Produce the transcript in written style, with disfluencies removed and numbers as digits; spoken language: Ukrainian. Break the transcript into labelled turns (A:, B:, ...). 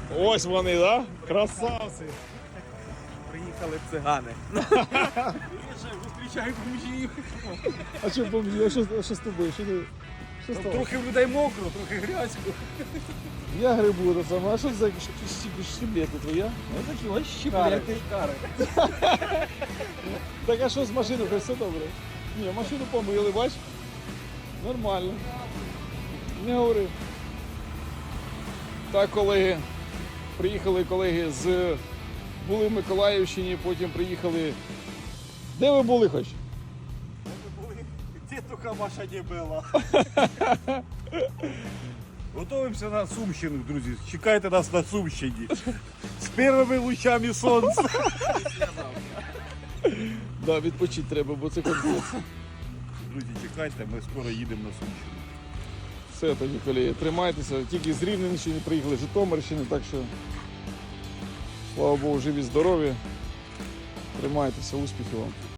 A: Ось вони, да? Красавці.
B: Приїхали цигани. Зустрічаю бомжів.
A: А що бомжі? А що з тобою? Що стало?
B: Трохи в людей мокро, трохи грязько.
A: Я грибу до саме. А що за щеблети твоя?
B: Ну такі ось щеплети.
A: Так а що з машиною? Хоч все добре? Ні, машину помили, бач? Нормально. Не говори. Так, колеги, приїхали колеги були в Миколаївщині, потім приїхали. Де ви були хоч?
B: Тетуха ваша не була. Готуємося на Сумщину, друзі. Чекайте нас на Сумщині. З першими лучами сонця.
A: Да, відпочити треба, бо це конкурс.
B: Друзі, чекайте, ми скоро їдемо на Сумщину.
A: Все тоді, колеги, тримайтеся. Тільки з Рівненщини приїхали, з Житомирщини, так що слава Богу, живі, здорові. Тримайтеся, успіхів вам.